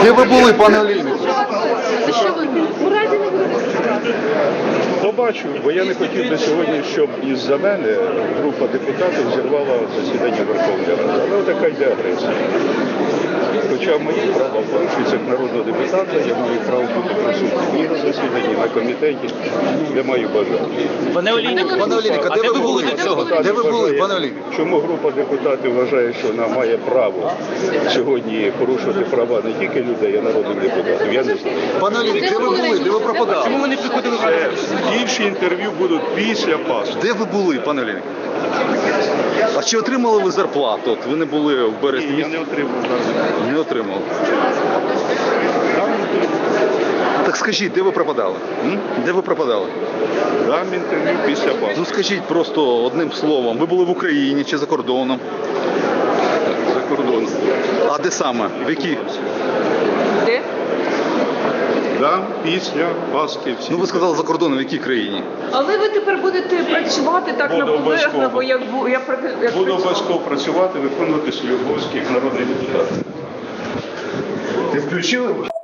Де ви були, пане Олійник? За що ви? У разі не буде. Побачу, бо я не хотів би сьогодні, щоб із-за мене група депутатів зірвала засідання Верховної Ради. Але така йде агресія. Хоча мої права порушуються як народного депутата, я маю право бути присутнім і на засіданні, на комітеті, де маю бажання. Пане Олійник, а де ви були до цього? Де ви були, пане Олійник? Чому група депутатів вважає, що вона має право сьогодні порушувати права не тільки людей, а народних депутатів? Я не знаю. Пане Олійник, де ви були? Де ви пропадали? Чому ви не приходили? Інші інтерв'ю будуть після Пасхи. Де ви були, пане Олійник? А чи отримали ви зарплату? От ви не були в березні Я місяці? не отримав зараз. Не отримали. Так скажіть, де ви пропадали? Де ви пропадали? Дам інтерв'ю після Пасхи. Ну скажіть просто одним словом, ви були в Україні чи за кордоном? За кордоном. А де саме? В якій? Де? Дам після Пасхи всі. Ну ви сказали за кордоном, в якій країні? Але ви тепер будете працювати так Буду наполегливо, обов'язково. як Буду працювала. обов'язково працювати, виконувати свої обов'язки як народний депутат. Ти включили?